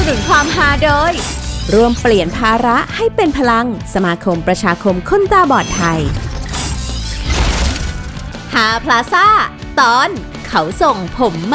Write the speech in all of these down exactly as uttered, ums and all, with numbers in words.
นุนความฮาโดยร่วมเปลี่ยนภาระให้เป็นพลังสมาคมประชาคมคนตาบอดไทยฮาพลาซ่าตอนเขาส่งผมมา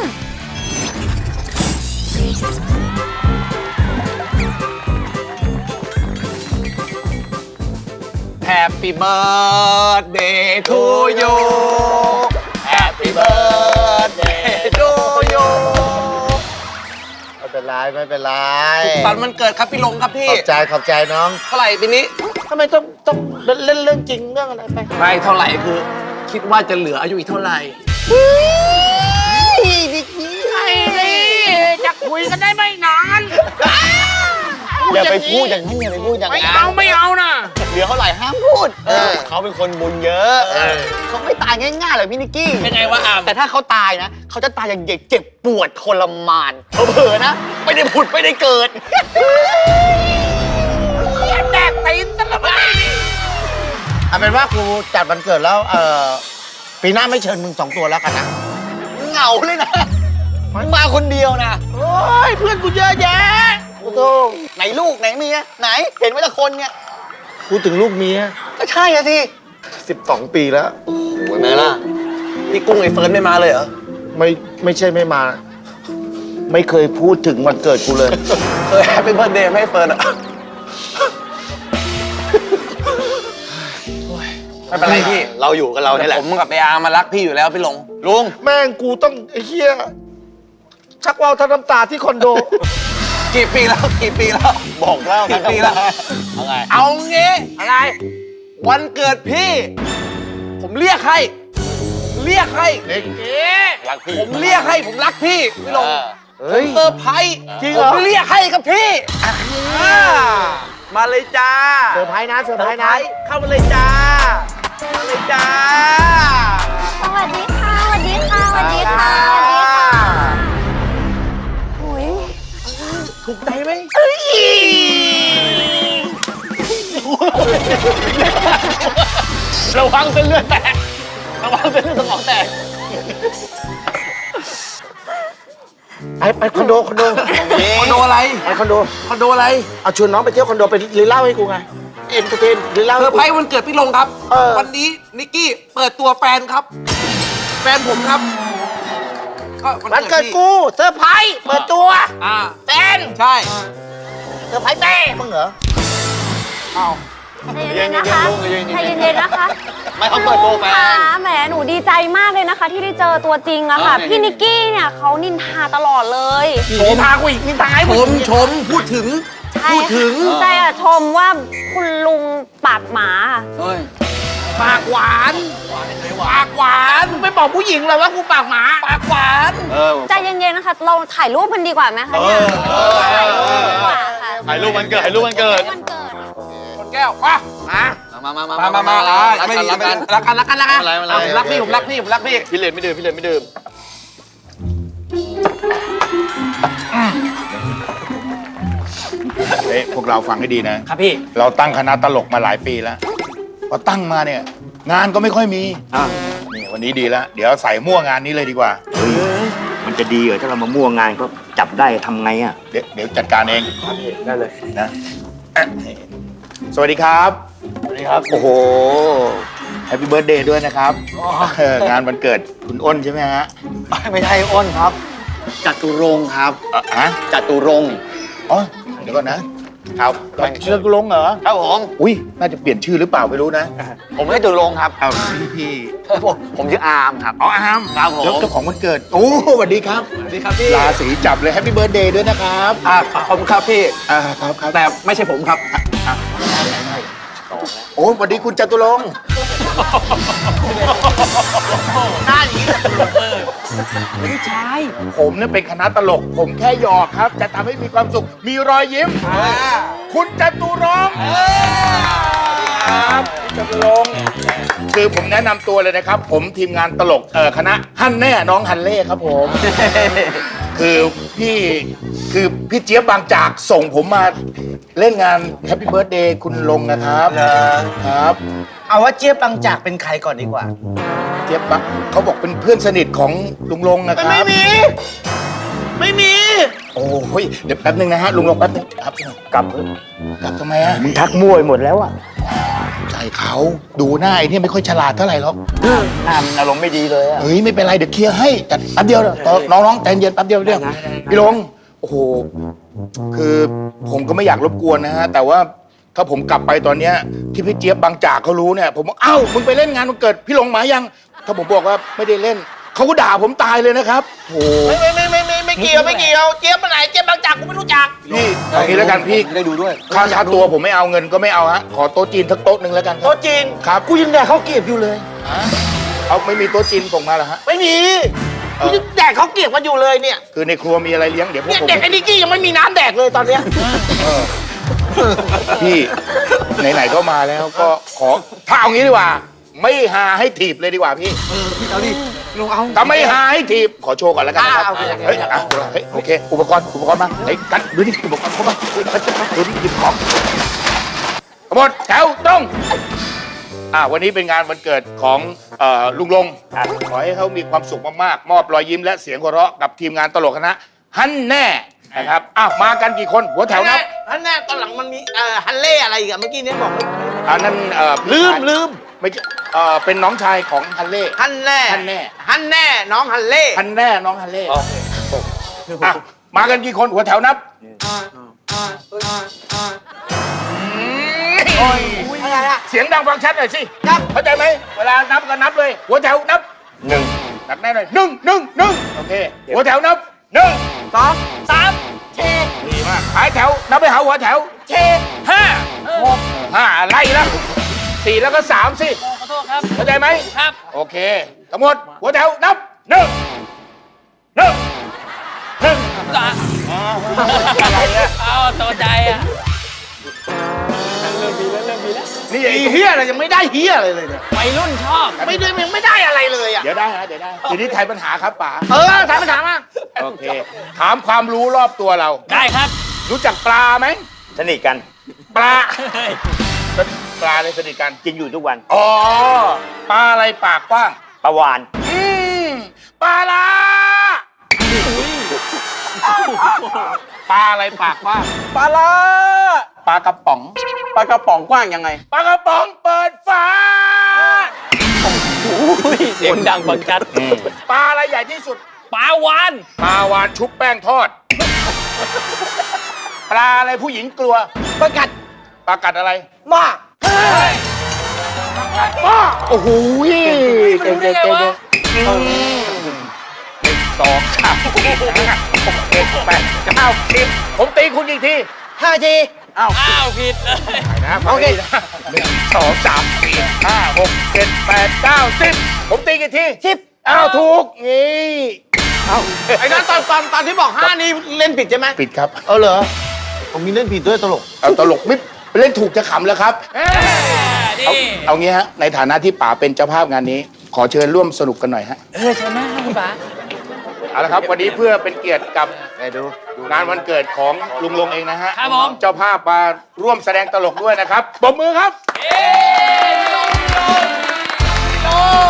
Happy birthday to you Happy birthday to you ไม่เป็นไรไม่เป็นไรสุขสันต์วันเกิดครับพี่ลงครับพี่ขอบใจขอบใจน้องเท่าไหร่ปีนี้ทำไมต้องต้องเล่นเรื่องจริงเรื่องอะไรไปไม่เท่าไหร่คือคิดว่าจะเหลืออายุอีกเท่าไหร่ดิกนี้ไอ้นี่จะคุยกันได้ไม่นานอย่าไปพูดอย่างนั้นอย่าไปพูดอย่างไม่นั้นเอาไม่เอานะเหลือเท่าไหร่ห้ามพูดเออเขาเป็นคนบุญเยอะเขาไม่ตายง่ายๆเลยพี่นิกกี้เป็นไงวะอามแต่ถ้าเขาตายนะเขาจะตายอย่างเด็กเจ็บปวดทรมานเผลอๆนะไม่ได้ผุดไม่ได้เกิดแดกตีนตะละไเอาเป็นว่าครูจัดวันเกิดแล้วเออปีหน้าไม่เชิญมึงสองตัวแล้วกันนะเหงาเลยนะมึงมาคนเดียวนะโอ้ยเพื่อนกูเยอะแยะโอ้โหไหนลูกไหนเมียไหนเห็นไว้ละคนเนี่ยพูดถึงลูกเมียก็ใช่อะสิสิบสองปีแล้วโอ้โหไหนล่ะพี่กุ้งไอ้เฟิร์นไม่มาเลยเหรอไม่ไม่ใช่ไม่มา ไม่เคยพูดถึงวันเกิดกูเลยเคย Happy birthday ไม่ให้เฟิร์นอ่ะไม่เป็นไรพี่เราอยู่กับเราเนี่ยแหละผมกับไอ้อาร์มารักพี่อยู่แล้วพี่ลงลุงแม่งกูต้องไอ้เหี้ยชักว่าวทั้งน้ำตาที่คอนโดกี่ปีแล้วกี่ปีแล้วบอกเล่ากี่ปีแล้วเอาไงเอางี้อะไรวันเกิดพี่ ผมเรียกให้เรียกให้เด็กเอ๊ะรักพี่ผมเรียกให้ผมรักพี่พี่ลงเฮ้ยเซอร์ไพรส์จริงผเหรอมเรียกให้กับพี่อ่ามาเลยจ้าเซอร์ไพรส์นะเซอร์ไพรส์นะเข้ามาเลยจ้ามาเลยจ้าสวัสดีค่ะ สวัสดีค่ะ สวัสดีค่ะ สวัสดีค่ะโอ้ยถูกใจไหมระวังเส้นเลือดแตกระวังเส้นเลือดสมองแตกไปไปคอนโดคอนโดคอนโดอะไรไปคอนโดคอนโดอะไรเอาชวนน้องไปเที่ยวคอนโดไปหรือเล่าให้กูไงเอ็นเตอร์เทนหรือเล่าเซอร์ไพรส์วันเกิดพี่ลงครับเออวันนี้นิกกี้เปิดตัวแฟนครับ แฟนผมครับก็วันเกิดพี่กูเซอร์ไพรส์เปิดตัวอ่าแฟนใช่เซอร์ไพรส์แม่มึงเหรอเอาใจเย็นๆนะคะใจเย็นๆนะคะไม่เขาเปิดตัวแฟนค่ะแหม หนูดีใจมากเลยนะคะ ที่ได้เจอตัวจริงอะค่ะ พี่นิกกี้เนี่ยเขานินทาตลอดเลยโผพากูอีกนินทาให้ชมึงมชมพูดถึงใช่พูดถึงใช่อะชมว่าคุณลุงปากหมาเฮ้ยปากหวานปากหวานไปบอกผู้หญิงเลยว่ากูปากหมาปากหวานใจเย็นๆนะคะ เราถ่ายรูปกันดีกว่าไหมคะเนี่ยถ่ายรูปดีกว่าค่ะถ่ายรูปวันเกิดถ่ายรูปวันเกิดวันเกิดคนแก้วมามามามามามามามาอ่าไม่ดีรักกันรักกันรักกันรักกันอะไรอะไรอ่ะผมรักพี่ผมรักพี่ผมรักพี่พี่เลนไม่ดื่มพี่เลนไม่ดื่มเฮ้ยพวกเราฟังให้ดีนะครับพี่เราตั้งคณะตลกมาหลายปีแล้วพอตั้งมาเนี่ย งานก็ไม่ค่อยมีนี่วันนี้ดีแล้ว เดี๋ยวใส่มั่วงานนี้เลยดีกว่ามันจะดีเหรอถ้าเรามามั่วงานก็จับได้ทำไงอ่ะเดี๋ยวเดี๋ยวจัดการเองได้เลยนะอ่ะสวัสดีครับสวัสดีครับ โอ้โหแฮปปี้เบิร์ดเดย์ด้วยนะครับเอองานวันเกิดคุณอ้นใช่ไหมฮะไม่ใช่อ้นครับจตุรงค์ครับอ่ะฮะจตุรงค์อ๋อเดี๋ยวก่อนนะครับชื่อกุลงเหรอครับผมอุ้ยน่าจะเปลี่ยนชื่อหรือเปล่าไม่รู้นะผมไม่จตุรงค์ครับเอาพี่พี่ผมผมชื่ออาร์มครับอ๋ออามครับผมแล้วเจ้าของวันเกิดโอ้สวัสดีครับสวัสดีครับพี่ราศีจับเลยแฮปปี้เบิร์ดเดย์ด้วยนะครับอ่าขอบคุณครับพี่อ่าครับครับแต่ไม่ใช่ผมครับโอ้สวัสดีคุณจตุรงค์หน้าอย่างนี้ไม่ใช่ผมเนี่ยเป็นคณะตลก ผมแค่หยอกครับ จะทำให้มีความสุข มีรอยยิ้ม คุณจตุรงค์ครับคุณจตุรงค์คือผมแนะนำตัวเลยนะครับ ผมทีมงานตลกเอ่อคณะฮันแน่น้องฮันเล่ครับผม คือพี่คือพี่เจี๊ยบบางจากส่งผมมาเล่นงานแฮปปี้เบิร์ดเดย์คุณลงนะครับครับเอาว่าเจี๊ยบบางจากเป็นใครก่อนดีกว่าเจี๊ยบบางเขาบอกเป็นเพื่อนสนิทของลุงลงนะครับไม่มี ไไม่มีโอ้ยเดี๋ยวแป๊บนึงนะฮะลุงลงแป๊บนึงครับกลับเถอะกลับทำไมฮะมึงทักมั่วไปหมดแล้วอะใจเขาดูหน้าไอ้เนี่ยไม่ค่อยฉลาดเท่าไหร่หรอกหน้ามันอารมณ์ไม่ดีเลยอะเฮ้ยไม่เป็นไรเดี๋ยวเคลียร์ให้แต่แป๊บเดียวเดี๋ยวน้องๆใจเย็นแป๊บเดียวเดียวพี่ลงโอ้โหคือผมก็ไม่อยากรบกวนนะฮะแต่ว่าถ้าผมกลับไปตอนเนี้ยที่พี่เจี๊ยบบางจากเขารู้เนี่ยผมบอกเอ้ามึงไปเล่นงานวันเกิดพี่ลงมายังถ้าผมบอกว่าไม่ได้เล่นเขาก็ด่าผมตายเลยนะครับโอ้ไม่ไม่ไม่ไม่ไม่ไม่เกี่ยวไม่เกี่ยวเจี๊ยบมาไหนเจี๊ยบบางจากกูไม่รู้จักพี่เอางี้แล้วกันพี่ได้ดูด้วยค่าชาตัวผมไม่เอาเงินก็ไม่เอาฮะขอโต๊ะจีนสักโต๊ะหนึ่งแล้วกันครับโต๊ะจีนครับกูยังแดกข้าวเกรียบอยู่เลยเอาไม่มีโต๊ะจีนส่งมาเหรอฮะไม่มีกูยังแดกข้าวเกรียบกันอยู่เลยเนี่ยคือในครัวมีอะไรเลี้ยงเดี๋ยวพวกเนี่ยผมเด็กไอ้นิกกี้ยังไม่มีน้ำแดกเลยตอนเนี้ยพี่ไหนๆก็มาแล้วก็ขอถ้าเอางี้ดีกว่า ไม่หาให้ถีบเลยดีกว่าพี่เอาดิลงเอาถ้าไม่หาให้ถีบขอโชว์ก่อนแล้วกันนะครับอ่าโอเคเฮ้ยอ่ะเฮ้ยโอเค อุปกรณ์อุปกรณ์มาเฮ้ยกันดูดิอุปกรณ์เข้ามาเฮ้ยดูดิหยิบของหมดแถวตรงอ่าวันนี้เป็นงานวันเกิดของเอ่อลุงลงขอให้เขามีความสุขมากๆมอบรอยยิ้มและเสียงหัวเราะกับทีมงานตลกคณะฮั่นแน่นะครับอ้าวมากันกี่คนหัวแถวนับฮันแน่ตอนหลังมันมีเอ่อฮันเล่อะไรอีกอะเมื่อกี้เนี่ยบอกอันนั้นเอ่อลืมลืมไม่ใช่เอ่อเป็นน้องชายของฮันเล่ฮันแน่ฮันแน่ฮันแน่น้องฮันเล่ฮันแน่น้องฮันเล่อ่ะมากันกี่คนหัวแถวนับโอ้ยอะไรอะเสียงดังฟังชัดหน่อยสิครับเข้าใจไหมเวลานับก็นับเลย หัวแถวนับหนึ่งนับแน่เลยหนึ่งหนึ่งหนึ่งโอเคหัวแถวนับหนึ่งสองสามเชดีมากหายแถวนับไปหาหัวแถวเชห้าหกห้าไล่แล้วสี่แล้วก็สามสิขอโทษครับเข้าใจไหมครับโอเคทั้งหมดหัวแถวนับหนึ่งหนึ่งหนึ่งอะไรเนี่ยเอาตัวใจอ่ะนี่ไอ้ไอ้เฮียอะไรยังไม่ได้เฮียอะไรเลยเนี่ยวัยรุ่นชอบไม่ได้ยังไม่ได้อะไรเลยอ่ะเดี๋ยวได้ฮะเดี๋ยวได้ทีนี้ไทยปัญหาครับป๋าเออถามปัญหามาโอเค ถามความรู้รอบตัวเราได้ครับรู้จักปลาไหมสนิทกันปลาปลาในสนิทกันกินอยู่ทุกวันอ๋อปลาอะไรปากกว้างประวานอืมปลาลาปลาอะไรปากกว้างปลาละปลากระป๋องปลากระป๋องกว้างยังไงปลากระป๋องเปิดฝาเสียงดังบังจัดปลาอะไรใหญ่ที่สุดปลาวานปลาวานชุบแป้งทอด ปลาอะไรผู้หญิงกลัวประกัดปลากัดอะไรมาป้าโอ้โหเก่งเก่งเก่งหนึ่งสองสามสี่ห้าหกเจ็ดแปดเก้าสิบผมตีคุณอีกทีห้าทีอ้าวอ้าวผิดเลยนะโอเคนะหนึ่งสองสามสี่ห้าหกเจ็ดแปดเก้าสิบผมตีกี่ทีสิบอ้าวถูกนี่เอาไอ้นั่นตอนตอนตอนที่บอกห้านี่เล่นผิดใช่ไหมปิดครับเออเหรอผมมีเล่นผิดด้วยตลกเอาตลกมิเล่นถูกจะขำแล้วครับ เอานี่เอางี้ฮะในฐานะที่ป๋าเป็นเจ้าภาพงานนี้ ขอเชิญร่วมสนุกกันหน่อยฮะเออชนะคุณป๋าเอาละครับวันนี้เพื่อเป็นเกียรติกับงานวันเกิดของลุงลงเองนะฮะครับผมเจ้าภาพมาร่วมแสดงตลกด้วยนะครับปรบมือครับเย้ลงลงลง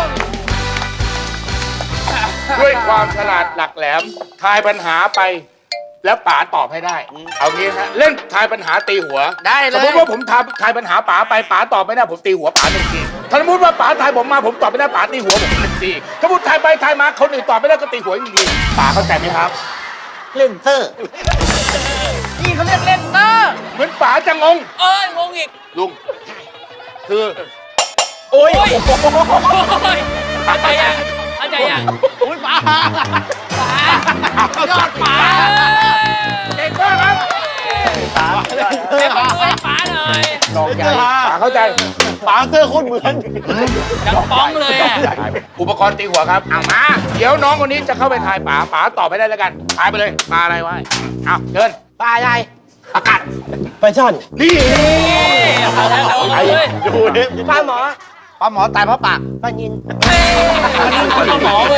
ด้วยความฉลาดหลักแหลมทายปัญหาไป แล้วป๋าตอบให้ได้ เอางี้ฮะเล่นทายปัญหาตีหัวได้เลสมยมติว่าผมทายทายปัญหาป๋าไปป๋าตอบไม่ได้ผมตีหัวป๋าหนึ่งทีถ้าสมมติว่าป๋าทายผมมาผมตอบไม่ได้ป๋าตีหัวผมหนึ่งทีถ้าสมมติทายไปทายมาคนอื่นตอบไม่ได้ก็ตีหัวอีกหนึ่งทีป๋าเข้าใจไหมครับเล่นเตอร์นี่เขาเรียกเล่นเตอร์เหมือนป๋าจะงงเอ้ยงงอีกลุงคือโอ้ยเข้าใจยังเข้าใจยังอุ้ยป๋าป๋ายอดป๋าเก่งมากครับเล่นมาด้วยป๋าหน่อยลองใหญ่ป๋าเข้าใจป๋าเสื้อโคตรเหมือนดังป้องเลยอ่ะอุปกรณ์ตีหัวครับเอามาเดี๋ยวน้องคนนี้จะเข้าไปทายป๋าป๋าตอบไม่ได้แล้วกันทายไปเลยปลาอะไรวะเอาเดินป๋าใหญ่อากาศไปช่อนนี่เอาแล้วเอาเลยดูดิป้าหมอป้าหมอตายเพราะปากป้ายินป้าหมอเลย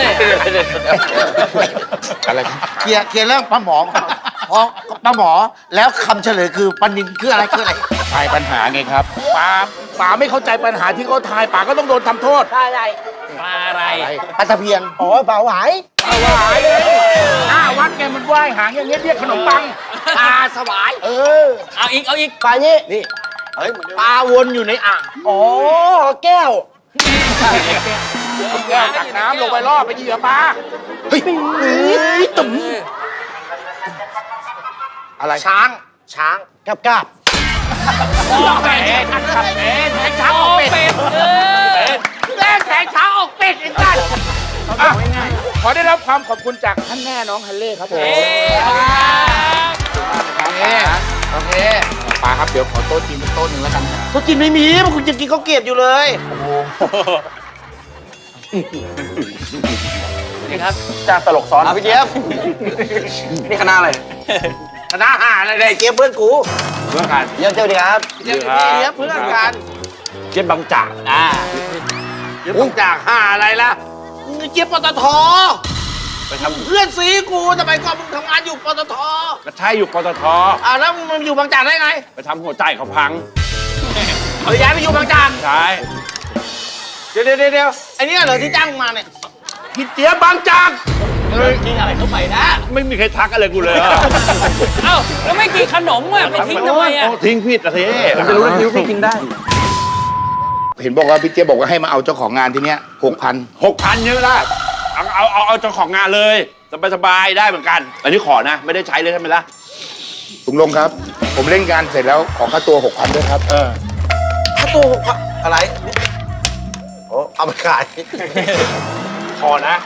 อะไรครับเคลียร์เคลียร์เรื่องป้าหมอก่อนเพราะป้าหมอแล้วคำเฉลยคือปันนินคืออะไรคืออะไรทายปัญหาไงครับป๋าป๋าไม่เข้าใจปัญหาที่เขาทายป๋าก็ต้องโดนทำโทษปลาอะไรปลาอะไรปลาตะเพียนอ๋อปลาหวายปลาหวายเลยอ่าวันากแกมันว่ายหางอย่างเงี้ยเรียกขนมปังปลาสวายเออเอาอีกเอาอีกปลานี่นี่เฮ้ยปลาวนอยู่ในอ่างอ๋อแก้วแก้วตักน้ำลงไปล่อไปเหยื่อปลาเฮ้ยตุ่มอะไรช้างช้างกาบกาบโอ้เป็ดเอ๊ะแทงช้างโอ้ออกเป็ดเป็ดเออแรงแทงช้างออกเป็ดอีกท่านขอได้รับความขอบคุณจากท่านแม่น้องฮันเล่ครับผมเอ๊ะขอบคุณครับโอเคโอเคปลาครับเดี๋ยวขอโต๊ะจีนเป็นโต๊ะหนึ่งแล้วกันเขากินไม่มีมันคุณจะกินข้าวเกรียบอยู่เลยนี่ครับจ้างตลกซ้อนเอาพี่เจี๊ยบนี่คณะอะไรคณะอาหารอะไรเจี๊ยบเพื่อนกูเพื่อนกันเยี่ยมเจ้าดีครับเจี๊ยบเจี๊ยบเพื่อนกันเจี๊ยบบางจากอ่าเจี๊ยบบางจากหาอะไรล่ะเจี๊ยบปตทไปทำเพื่อนซีกูทำไมก่อนมึงทำงานอยู่ปตทก็ใช่อยู่ปตทอ่าแล้วมึงอยู่บางจากได้ไงไปทำหัวใจเขาพังเอาย้ายไปอยู่บางจากใช่เดี๋ยวเดี๋ยวเดี๋ยวไอ้เนี่ยเหรอที่จ้างมึงมาเนี่ยพี่เจี๊ยบบางจากกินอะไรเข้าไปนะไม่มีใครทักอะไรกูเลยอะเอ้าแล้วไม่กินขนมอ่ะไปทิ้งทำไมอ่ะโทิ้งผิดอะเท่ผมจะรู้ว่านิ้วพี่กินได้ เห็นบอกว่าพี่เจี๊ยบบอกว่าให้มาเอาเจ้าของงานที่เนี้ยหกพันหกพันเยอะละเอาเอาเอาเอาเจ้าของงานเลยสบายสบายๆได้เหมือนกัน อันนี้ขอนะ ไม่ได้ใช้เลยใช่ไหมล่ะลุงลงครับ ผมเล่นงานเสร็จแล้วขอค่าตัวหกพันด้วยครับ เออถ้าตัวหกพันอะไรโอ้เอาไปขายขอนะ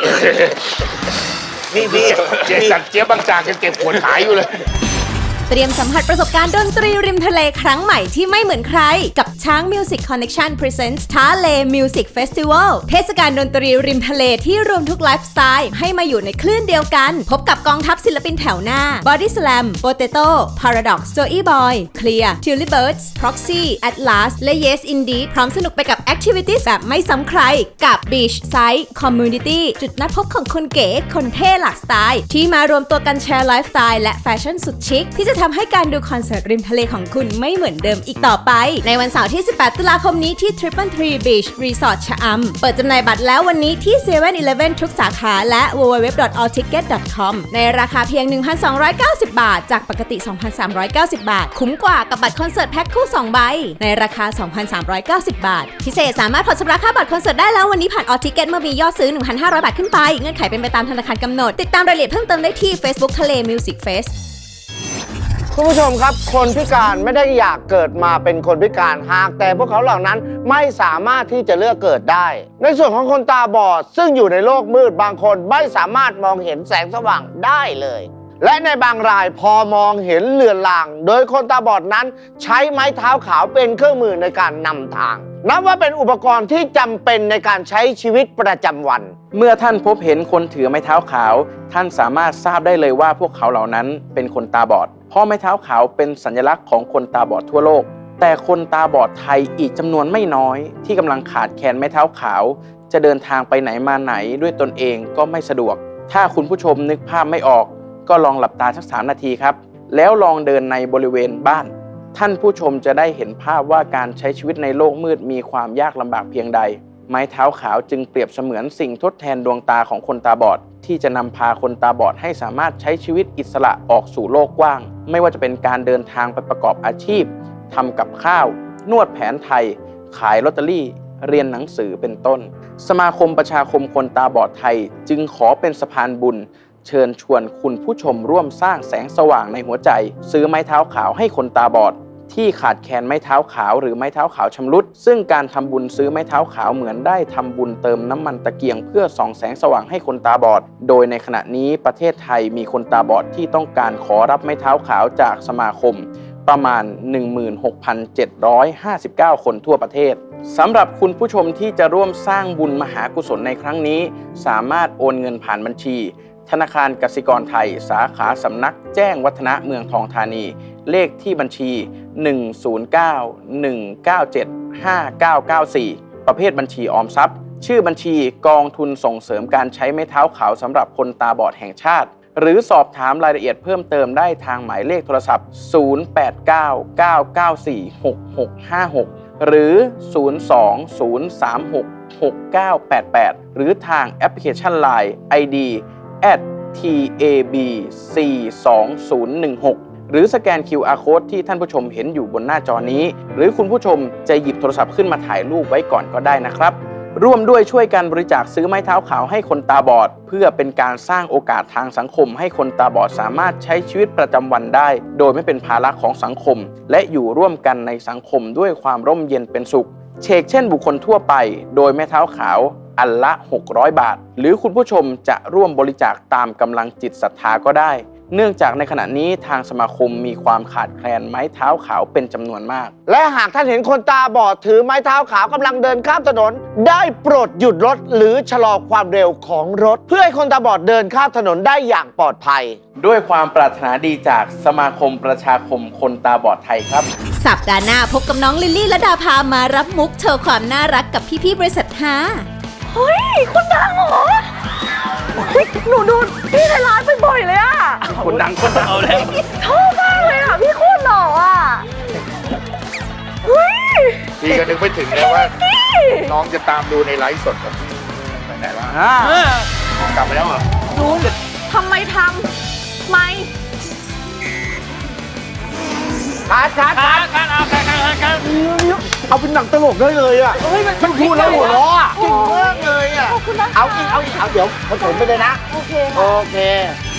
นี่พี่เจ๊สักเจี๊ยบบางจากยังเก็บขวดขายอยู่เลยเตรียมสัมผัสประสบการณ์ดนตรีริมทะเลครั้งใหม่ที่ไม่เหมือนใคร กับช้าง Music Connection Presents ท้าเล Music Festival เทศกาลดนตรีริมทะเลที่รวมทุกไลฟ์สไตล์ให้มาอยู่ในคลื่นเดียวกัน พบกับกองทัพศิลปินแถวหน้า Body Slam Potato Paradox Joey Boy Clear Tully Birds Proxy Atlas และ Yes Indeed พร้อมสนุกไปกับ Activities แบบไม่ซ้ำใครกับ Beach Side Community จุดนัดพบของคนเก๋คนเท่หลากสไตล์ที่มารวมตัวกันแชร์ไลฟ์สไตล์และแฟชั่นสุดชิคที่จะทำให้การดูคอนเสิร์ตริมทะเลของคุณไม่เหมือนเดิมอีกต่อไปในวันเสาร์ที่ สิบแปด ตุลาคมนี้ที่ Triple Tree Beach Resort ชะอำเปิดจำหน่ายบัตรแล้ววันนี้ที่ เซเว่น อีเลฟเว่น ทุกสาขาและ ดับเบิลยู ดับเบิลยู ดับเบิลยู ดอท ออล ทิกเก็ต ดอท คอม ในราคาเพียง หนึ่งพันสองร้อยเก้าสิบ บาทจากปกติ สองพันสามร้อยเก้าสิบ บาทคุ้มกว่ากับบัตรคอนเสิร์ตแพ็คคู่สองใบในราคา สองพันสามร้อยเก้าสิบ บาทพิเศษสามารถผ่อนชำระค่าบัตรคอนเสิร์ตได้แล้ววันนี้ผ่านออทิกเก็ตเมื่อมียอดซื้อ หนึ่งพันห้าร้อย บาทขึ้นไปเงื่อนไขเป็นไปตามธนาคารกำหนดติดตามรายละเอียดเพิ่มเติมได้ที่ Facebook ทะเล Music Fest คุณผู้ชมครับคนพิการไม่ได้อยากเกิดมาเป็นคนพิการหากแต่พวกเขาเหล่านั้นไม่สามารถที่จะเลือกเกิดได้ในส่วนของคนตาบอดซึ่งอยู่ในโลกมืดบางคนไม่สามารถมองเห็นแสงสว่างได้เลยและในบางรายพอมองเห็นเลือนลางโดยคนตาบอดนั้นใช้ไม้เท้าขาวเป็นเครื่องมือในการนำทางนับว่าเป็นอุปกรณ์ที่จำเป็นในการใช้ชีวิตประจำวันเมื่อท่านพบเห็นคนถือไม้เท้าขาวท่านสามารถทราบได้เลยว่าพวกเขาเหล่านั้นเป็นคนตาบอดเพราะไม้เท้าขาวเป็นสัญลักษณ์ของคนตาบอดทั่วโลกแต่คนตาบอดไทยอีกจำนวนไม่น้อยที่กำลังขาดแคลนไม้เท้าขาวจะเดินทางไปไหนมาไหนด้วยตนเองก็ไม่สะดวกถ้าคุณผู้ชมนึกภาพไม่ออกก็ลองหลับตาสักสามนาทีครับแล้วลองเดินในบริเวณบ้านท่านผู้ชมจะได้เห็นภาพว่าการใช้ชีวิตในโลกมืดมีความยากลำบากเพียงใดไม้เท้าขาวจึงเปรียบเสมือนสิ่งทดแทนดวงตาของคนตาบอดที่จะนำพาคนตาบอดให้สามารถใช้ชีวิตอิสระออกสู่โลกกว้างไม่ว่าจะเป็นการเดินทางไปประกอบอาชีพทำกับข้าวนวดแผนไทยขายลอตเตอรี่เรียนหนังสือเป็นต้นสมาคมประชาคมคนตาบอดไทยจึงขอเป็นสะพานบุญเชิญชวนคุณผู้ชมร่วมสร้างแสงสว่างในหัวใจซื้อไม้เท้าขาวให้คนตาบอดที่ขาดแคลนไม้เท้าขาวหรือไม้เท้าขาวชำรุดซึ่งการทำบุญซื้อไม้เท้าขาวเหมือนได้ทำบุญเติมน้ำมันตะเกียงเพื่อส่องแสงสว่างให้คนตาบอดโดยในขณะนี้ประเทศไทยมีคนตาบอดที่ต้องการขอรับไม้เท้าขาวจากสมาคมประมาณ หนึ่งหมื่นหกพันเจ็ดร้อยห้าสิบเก้า คนทั่วประเทศสำหรับคุณผู้ชมที่จะร่วมสร้างบุญมหากุศลในครั้งนี้สามารถโอนเงินผ่านบัญชีธนาคารกสิกรไทยสาขาสำนักแจ้งวัฒนะเมืองทองธานีเลขที่บัญชี หนึ่ง ศูนย์ เก้า หนึ่ง เก้า เจ็ด ห้า เก้า เก้า สี่ ประเภทบัญชีออมทรัพย์ชื่อบัญชีกองทุนส่งเสริมการใช้ไม้เท้าขาวสำหรับคนตาบอดแห่งชาติหรือสอบถามรายละเอียดเพิ่มเติมได้ทางหมายเลขโทรศัพท์ ศูนย์ แปด เก้า เก้า เก้า สี่ หก หก ห้า หก หรือ ศูนย์ สอง ศูนย์ สาม หก หก เก้า แปด แปด หรือทางแอปพลิเคชัน ไลน์ ไอ ดี แอทที เอ บี สี่สองศูนย์หนึ่งหก หรือสแกน คิว อาร์ Code ที่ท่านผู้ชมเห็นอยู่บนหน้าจอนี้ หรือคุณผู้ชมจะหยิบโทรศัพท์ขึ้นมาถ่ายรูปไว้ก่อนก็ได้นะครับ ร่วมด้วยช่วยกันบริจาคซื้อไม้เท้าขาวให้คนตาบอด เพื่อเป็นการสร้างโอกาสทางสังคมให้คนตาบอดสามารถใช้ชีวิตประจำวันได้ โดยไม่เป็นภาระของสังคม และอยู่ร่วมกันในสังคมด้วยความร่มเย็นเป็นสุขเชกเช่นบุคคลทั่วไปโดยไม้เท้าขาวอันละหกร้อยบาทหรือคุณผู้ชมจะร่วมบริจาคตามกำลังจิตศรัทธาก็ได้เนื่องจากในขณะนี้ทางสมาคมมีความขาดแคลนไม้เท้าขาวเป็นจำนวนมากและหากท่านเห็นคนตาบอดถือไม้เท้าขาวกำลังเดินข้ามถนนได้โปรดหยุดรถหรือชะลอความเร็วของรถเพื่อให้คนตาบอดเดินข้ามถนนได้อย่างปลอดภัยด้วยความปรารถนาดีจากสมาคมประชาคมคนตาบอดไทยครับสัปดาห์หน้าพบกับน้องลิลลี่และดาพามารับมุกโชว์ความน่ารักกับพี่ๆบริษัทฮาเฮ้ยคนดังเหรอหนูดูพี่ในร้านบ่อยๆเลยอะคนดังคนดังเอาแล้วชอบมากเลยอะพี่โคตรหล่ออะเฮ้ยพี่ก็นึกไม่ถึงเลยว่าน้องจะตามดูในไลฟ์สดกับพี่ไปไหนวะกลับไปแล้วเหรอดูทำไมทำไมคัดคัดการการเอาการการการเอาเป็นหนังตลกได้เลยอ่ะเฮ้ยมันพูดแล้วหัวเราะอ่ะเก่งมากเลยอ่ะขอบคุณนะคะเอาอีกเอาอีกเอาเดี๋ยวผสมไปเลยนะโอเคโอค่ะเค